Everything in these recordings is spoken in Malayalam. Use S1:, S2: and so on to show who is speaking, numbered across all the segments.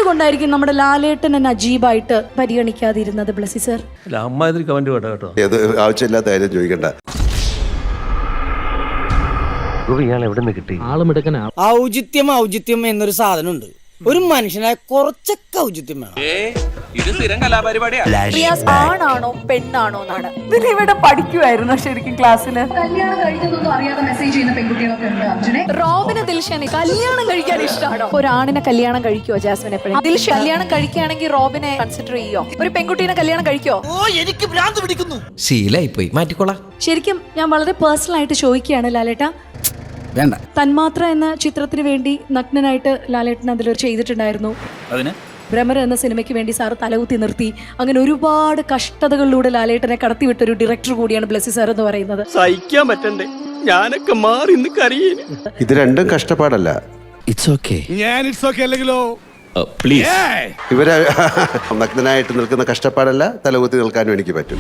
S1: എന്തുകൊണ്ടായിരിക്കും നമ്മുടെ ലാലേട്ടൻ നജീബായിട്ട് പരിഗണിക്കാതിരുന്നത് ബ്ലസി സർ?
S2: അമ്മ ഇതിൽ കമന്റ് വേണ്ട കേട്ടോ.
S3: അത് ആവശ്യമില്ലാത്ത കാര്യം ചോദിക്കണ്ട.
S4: ഔചിത്യം എന്നൊരു സാധനമുണ്ട്. ഒരു മനുഷ്യനായ കുറച്ചൊക്കെ ഔചിത്യം വേണം.
S1: റിയാസ് ആണാണോ പെണ്ണാണോ എന്നാണ് ഇവിടെ പഠിക്കുമായിരുന്നു ശരിക്കും ക്ലാസ്സില്.
S5: കല്യാണം കഴിഞ്ഞതൊന്നും അറിയാതെ മെസ്സേജ് ചെയ്യുന്ന പെൺകുട്ടികളൊക്കെ ഉണ്ട് അർജുനെ.
S1: റോബിന് ദിൽഷനെ കല്യാണം കഴിക്കാൻ ഇഷ്ടമാണോ? ഒരാണിനെ കല്യാണം കഴിക്കുവോ ജാസ്മിൻ എപ്പോഴും? ദിൽഷ കല്യാണം കഴിക്കുകയാണെങ്കിൽ റോബിനെ കൺസിഡർ ചെയ്യോ? ഒരു പെൺകുട്ടീനെ കല്യാണം കഴിക്കോ?
S4: എനിക്ക് ഭ്രാന്ത് പിടിക്കുന്നു.
S6: ശീലായിപ്പോയി, മാറ്റിക്കോളാം.
S1: ശരിക്കും ഞാൻ വളരെ പേഴ്സണൽ ആയിട്ട് ചോദിക്കുകയാണ് ലാലേട്ട.
S6: വേണ്ട.
S1: തന്മാത്ര എന്ന ചിത്രത്തിന് വേണ്ടി നഗ്നനായിട്ട് ലാലേട്ടൻ അതിലൊരു ചെയ്തിട്ടുണ്ടായിരുന്നു. ഭ്രമർ എന്ന സിനിമയ്ക്ക് വേണ്ടി സാറ് തലകുത്തി നിർത്തി. അങ്ങനെ ഒരുപാട് കഷ്ടതകളിലൂടെ ലാലേട്ടനെ കടത്തിവിട്ടൊരു ഡയറക്ടർ കൂടിയാണ് ബ്ലസി സാർ എന്ന് പറയുന്നത്.
S4: സഹിക്കാൻ പറ്റണ്ടേ? ഞാനൊക്കെ മാറി കരയേന്.
S3: ഇത് രണ്ടും കഷ്ടപ്പാടല്ല.
S6: It's okay.
S3: ഇവരെ നഗ്നനായിട്ട് നിൽക്കുന്ന കഷ്ടപ്പാടല്ല, തലകുത്തി നിൽക്കാനും എനിക്ക് പറ്റും.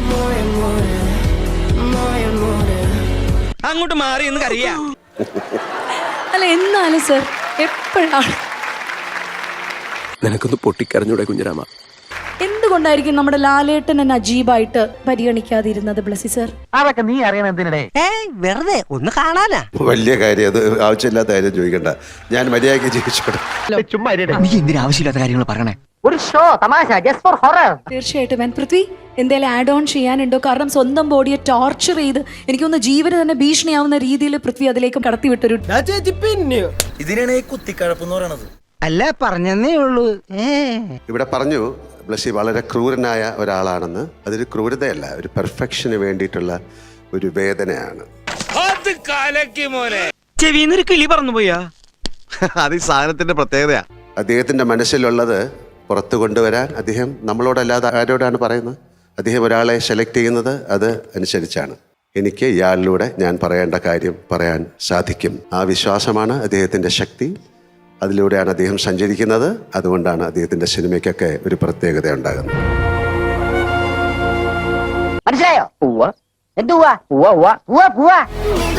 S4: അങ്ങോട്ട് മാറി എന്ന് കരയാ.
S1: അല്ല എന്നാലും സർ എപ്പോഴാണ്
S6: നിനക്കൊന്ന് പൊട്ടിക്കരഞ്ഞൂടെ കുഞ്ഞിരാമ?
S1: എന്തുകൊണ്ടായിരിക്കും നമ്മുടെ ലാലേട്ടൻ നജീബായിട്ട് പരിഗണിക്കാതിരുന്നത് ബ്ലസി സർ?
S4: അതൊക്കെ നീ അറിയണം എന്തിനടേ? വെറുതെ ഒന്ന് കാണാനാ.
S3: വലിയ കാര്യം, അത് ആവശ്യമില്ലാത്ത കാര്യം ചോദിക്കണ്ട. ഞാൻ മര്യാദയ്ക്ക് ജീവിച്ചോട്ടെ.
S6: നീ എന്തിനാ ആവശ്യമില്ലാത്ത കാര്യങ്ങൾ പറയണേ?
S4: ഒരു ഷോ തമാശ ജസ്റ്റ് ഫോർ ഹൊറർ.
S1: തീർച്ചയായിട്ടും. പൃഥ്വി എന്തെങ്കിലും ആഡ് ഓൺ ചെയ്യാനുണ്ടോ? കാരണം സ്വന്തം ബോഡിയെ ടോർച്ചർ ചെയ്ത് എനിക്കൊന്ന് ജീവന് തന്നെ ഭീഷണിയാവുന്ന രീതിയിൽ പൃഥ്വി അതിലേക്ക് കടത്തിവിട്ടൊരു.
S7: ഇതിനാണ് ഈ കുത്തിക്കഴപ്പെന്ന് പറയണത്.
S4: അല്ല പറഞ്ഞേ ഉള്ളൂ.
S3: ഇവിടെ പറഞ്ഞു ബ്ലസി വളരെ ക്രൂരനായ ഒരാളാണെന്ന്. അതൊരു ക്രൂരതയല്ല, ഒരു പെർഫെക്ഷന് വേണ്ടിയിട്ടുള്ള ഒരു വേദനയാണ്.
S4: ചെവിന്നൊരു കിളി പറഞ്ഞു പോയാ.
S6: അത് ഈ സാധനത്തിന്റെ പ്രത്യേകതയാ.
S3: അദ്ദേഹത്തിൻ്റെ മനസ്സിലുള്ളത് പുറത്തു കൊണ്ടുവരാൻ അദ്ദേഹം നമ്മളോടല്ലാതെ ആരോടാണ് പറയുന്നത്? അദ്ദേഹം ഒരാളെ സെലക്ട് ചെയ്യുന്നത് അത് അനുസരിച്ചാണ്. എനിക്ക് ഇയാളിലൂടെ ഞാൻ പറയേണ്ട കാര്യം പറയാൻ സാധിക്കും. ആ വിശ്വാസമാണ് അദ്ദേഹത്തിൻ്റെ ശക്തി. അതിലൂടെയാണ് അദ്ദേഹം സഞ്ചരിക്കുന്നത്. അതുകൊണ്ടാണ് അദ്ദേഹത്തിൻ്റെ സിനിമയ്ക്കൊക്കെ ഒരു പ്രത്യേകത ഉണ്ടാകുന്നത്.
S4: മനസ്സിലായോ?